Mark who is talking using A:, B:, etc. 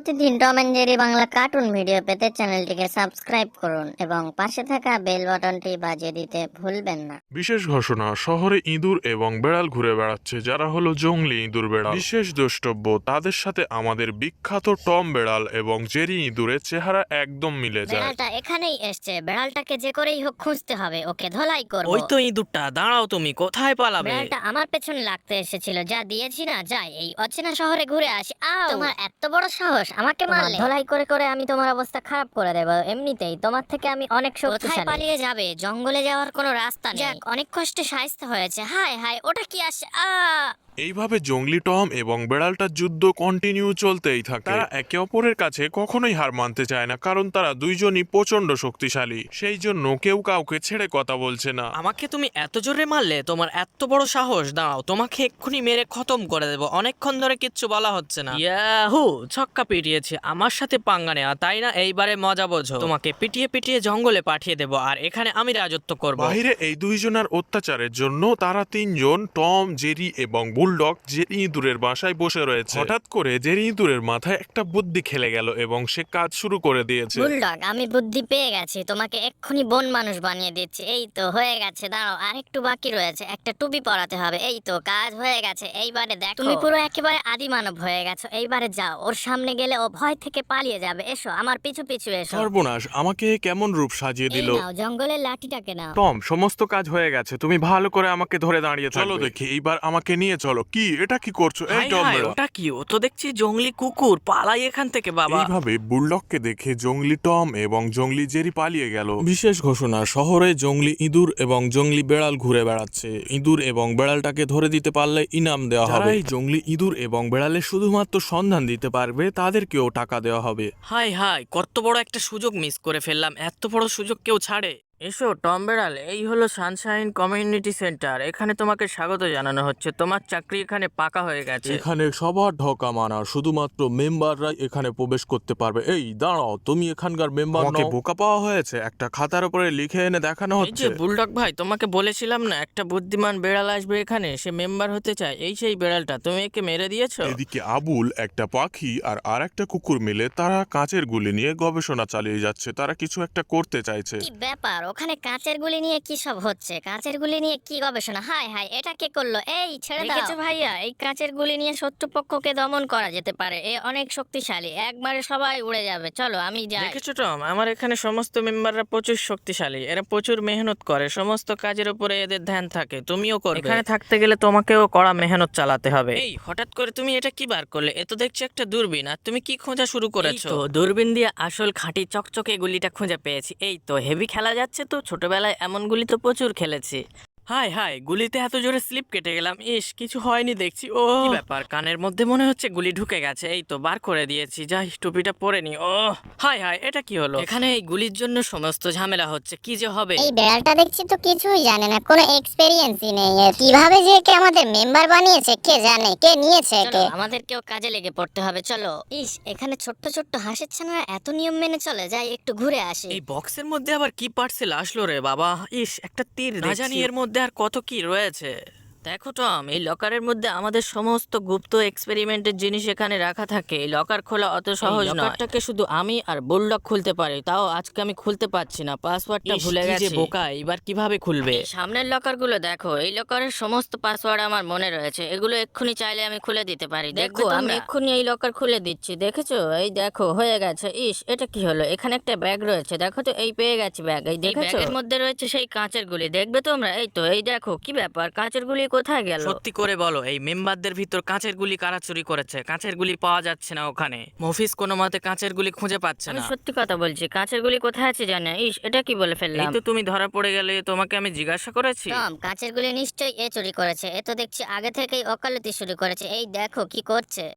A: প্রতিদিন Tom and Jerry Bangla cartoon video পেতে চ্যানেলটিকে সাবস্ক্রাইব করুন এবং পাশে থাকা বেল বাটনটি বাজিয়ে দিতে ভুলবেন না।
B: বিশেষ ঘোষণা, শহরে ইঁদুর এবং বেড়াল ঘুরে বেড়াচ্ছে যারা হলো জংলি ইঁদুর বেড়াল। বিশেষ দ্রষ্টব্য, তাদের সাথে আমাদের বিখ্যাত টম বেড়াল এবং জেরি ইঁদুরের চেহারা একদম মিলে যায়।
A: বেড়ালটা এখানেই এসছে, বেড়ালটাকে যে করেই হোক খুঁজতে হবে, ওকে ধলাই করব।
C: ওই তো ইঁদুরটা, দাঁড়াও, তুমি কোথায় পালাবে?
A: বেড়ালটা আমার পেছনে লাগতে এসেছিল, যা দিয়েছি না, যাই এই অচেনা শহরে ঘুরে আসি। তোমার এত বড় সাহস আমাকে মারলে? ধলাই করে করে আমি তোমার অবস্থা খারাপ করে দেব। এমনিতেই তোমার থেকে আমি অনেক শক্তিশালী। কোথায় পালিয়ে যাবে? জঙ্গলে যাওয়ার কোনো রাস্তা নেই। যাক, অনেক কষ্টে সাজতে হয়েছে। হায় হায়, ওটা কি আসে?
B: এইভাবে জংলি টম এবং বেড়ালটার যুদ্ধ কন্টিনিউ চলতেই থাকে। তারা একে অপরের কাছে কখনোই হার মানতে চায় না, কারণ তারা দুইজনই প্রচন্ড শক্তিশালী। সেই জন্য কেউ কাউকে ছেড়ে কথা বলছে না।
C: আমাকে তুমি এত জোরে মারলে? তোমার এত বড় সাহস! দাঁড়াও, তোমাকে এক্ষুনি মেরে খতম করে দেবো। অনেকক্ষণ ধরে কিচ্ছু বলা হচ্ছে না। ইয়াহু, ছক্কা পিটিয়েছে। আমার সাথে পাঙ্গা নেওয়া, তাই না? এইবারে মজা বোঝো। তোমাকে পিটিয়ে পিটিয়ে জঙ্গলে পাঠিয়ে দেবো, আর এখানে আমি রাজত্ব করব।
B: বাইরে এই দুইজনের অত্যাচারের জন্য তারা তিনজন, টম, জেরি এবং বুলডগ, জেরি ইঁদুরের বাসায় বসে রয়েছে। হঠাৎ করে জেরি ইঁদুরের মাথায় একটা বুদ্ধি খেলে গেল এবং সে কাজ শুরু করে দিয়েছে।
A: বুলডগ, আমি বুদ্ধি পেয়ে গেছি, তোমাকে এক্ষুনি বন মানুষ বানিয়ে দিচ্ছি। এই তো হয়ে গেছে, দাঁড়াও, আরেকটু বাকি রয়েছে। একটা টুপি পরাতে হবে। এই তো কাজ হয়ে গেছে। এইবারে দেখো, তুমি পুরো একেবারে আদি মানব হয়ে গেছো। এইবারে যাও, ওর সামনে গেলে ও ভয় থেকে পালিয়ে যাবে। এসো আমার পিছু পিছু এসো।
B: সর্বনাশ, আমাকে কেমন রূপ সাজিয়ে
A: এই
B: দিল।
A: নাও জঙ্গলের লাঠিটাকে নাও।
B: টম, সমস্ত কাজ হয়ে গেছে, তুমি ভালো করে আমাকে ধরে দাঁড়িয়ে চলো দেখি। এইবার আমাকে নিয়ে চলো। কি, এটা কি করছো? এই
C: হাই
B: টম
C: হাই,
B: বেড়া।
C: ওটা কি? ও তো দেখছি জঙ্গলি কুকুর। পালাই এখান থেকে বাবা।
B: এইভাবে বুলডগকে দেখে জংলি টম এবং জংলি জেরি পালিয়ে গেল। বিশেষ ঘোষণা, শহরে জংলি ইঁদুর এবং জংলি বেড়াল ঘুরে বেড়াচ্ছে। ইঁদুর এবং বেড়ালটাকে ধরে দিতে পারলে ইনাম দেওয়া হবে। এই জংলি ইঁদুর এবং বেড়ালের শুধুমাত্র সন্ধান দিতে পারবে, তাদেরকেও টাকা দেওয়া হবে।
C: হাই হাই, কত বড় একটা সুযোগ মিস করে ফেললাম। এত বড় সুযোগ কেউ ছাড়ে? এসো টম বেড়াল, এই হলো সানশাইন কমিউনিটি সেন্টার। এখানে তোমাকে স্বাগত জানানো হচ্ছে। তোমার চাকরি এখানে পাকা হয়ে গেছে।
B: এখানে সবার ঢোকা মানা, শুধুমাত্র মেম্বাররাই এখানে প্রবেশ করতে পারবে। এই দাঁড়াও, তুমি এখানকার মেম্বার নও? আমাকে বোকা পাওয়া হয়েছে, একটা খাতার উপরে লিখে এনে দেখানো
C: এই
B: হচ্ছে।
C: যে বুলডগ ভাই, তোমাকে বলেছিলাম না একটা বুদ্ধিমান বেড়াল আসবে এখানে, সে মেম্বার হতে চায়। এই সেই বেড়ালটা, তুমি একে মেরে দিয়েছো।
B: এদিকে আবুল, একটা পাখি আর একটা কুকুর মিলে তারা কাঁচের গুলি নিয়ে গবেষণা চালিয়ে যাচ্ছে। তারা কিছু একটা করতে চাইছে।
A: কি ব্যাপার, ওখানে কাঁচের গুলি নিয়ে কি সব হচ্ছে? কাঁচের গুলি নিয়ে কি গবেষণা? হায় হায়, এটা কে করলো? এই ছেড়ে দাও। দেখেছো ভাইয়া, এই কাঁচের গুলি নিয়ে শত্রুপক্ষকে দমন করা যেতে পারে। এ অনেক শক্তিশালী, একবারে সবাই উড়ে যাবে। চলো আমি যাই।
C: দেখেছো টম, আমার এখানে সমস্ত মেম্বাররা প্রচুর শক্তিশালী। এরা প্রচুর মেহনত করে, সমস্ত কাজের উপরে এদের ধ্যান থাকে। তুমিও করবে। এখানে থাকতে গেলে তোমাকেও কড়া মেহনত চালাতে হবে। এই হঠাৎ করে তুমি এটা কি বার করলে? এ তো দেখছি একটা দূরবীন। আর তুমি কি খোঁজা শুরু করেছো? তো দূরবীন দিয়ে আসল খাঁটি চকচকে গুলিটা খুঁজে পেয়েছি। এই তো হেভি খেলা যাচ্ছে তো। ছোটবেলায় এমন গুলি তো প্রচুর খেলেছি। হাই হাই, গুলিতে এত জোরে স্লিপ কেটে গেলাম। ইস, কিছু হয়নি দেখছি। ও কি ব্যাপার, কানের মধ্যে মনে হচ্ছে গুলি ঢুকে গেছে। এই তো বার করে দিয়েছি, যাই টুপিটা পরে নি। ও হাই হাই, এটা কি হলো? এখানে এই গুলির জন্য সমস্ত ঝামেলা হচ্ছে। কি যে হবে।
D: এই বেড়ালটা দেখছি তো কিছুই জানে না, কোনো এক্সপেরিয়েন্সই নেই এর। কিভাবে যে কে আমাদের মেম্বার বানিয়েছে কে জানে, কে নিয়েছে
A: চলো,
D: কে।
A: আমাদেরকেও কাজে লেগে পড়তে হবে। চলো। ইস, এখানে ছোট্ট ছোট্ট হাঁসের ছানারা এত নিয়ম মেনে চলে, যাই একটু ঘুরে আসি।
C: এই বক্সের মধ্যে আবার কি পার্সেল আসলো রে বাবা? ইস, একটা তীর। না জানি এর মধ্যে আর কত কি রয়েছে। দেখো টম, এই লকারের মধ্যে আমাদের সমস্ত গুপ্ত এক্সপেরিমেন্টের জিনিস এখানে রাখা থাকে। এই লকার খোলা অত সহজ নয়। লকারটাকে শুধু আমি আর বুলডগ খুলতে পারি, তাও আজকে আমি খুলতে পারছি না। পাসওয়ার্ডটা ভুলে গেছি। বোকা, এবার কিভাবে খুলবে? সামনের লকারগুলো দেখো, এই লকারের সমস্ত পাসওয়ার্ড আমার মনে রয়েছে। এগুলো এক্ষুনি চাইলে আমি খুলে দিতে পারি। দেখো, আমি এক্ষুনি এই লকার খুলে দিচ্ছি। দেখেছো? এই দেখো হয়ে গেছে। ইস, এটা কি হলো? এখানে একটা ব্যাগ রয়েছে, দেখো তো। এই পেয়ে গেছি ব্যাগ। এই দেখেছো? এর মধ্যে রয়েছে সেই কাঁচের গুলি, দেখবে তোমরা? এই তো, এই দেখো। কি ব্যাপার, কাঁচের গুলি কোথায় গেল? সত্যি করে বলো, এই মেম্বারদের ভিতর কাঁচের গুলি কারা চুরি করেছে? কাঁচের গুলি পাওয়া যাচ্ছে না ওখানে। মফিস কোনো মতে কাঁচের গুলি খুঁজে পাচ্ছে না। সত্যি কথা বলছি, কাঁচের গুলি কোথায় আছে জানে? ইস, এটা কি বলে ফেললাম। এই তো তুমি ধরা পড়ে গেলে, তোমাকে আমি জিজ্ঞাসা করেছি।
A: টম, কাঁচের গুলি নিশ্চয়ই এ চুরি করেছে। এ তো দেখছি আগে থেকেই ওকালতি শুরু করেছে। এই দেখো কি করছে।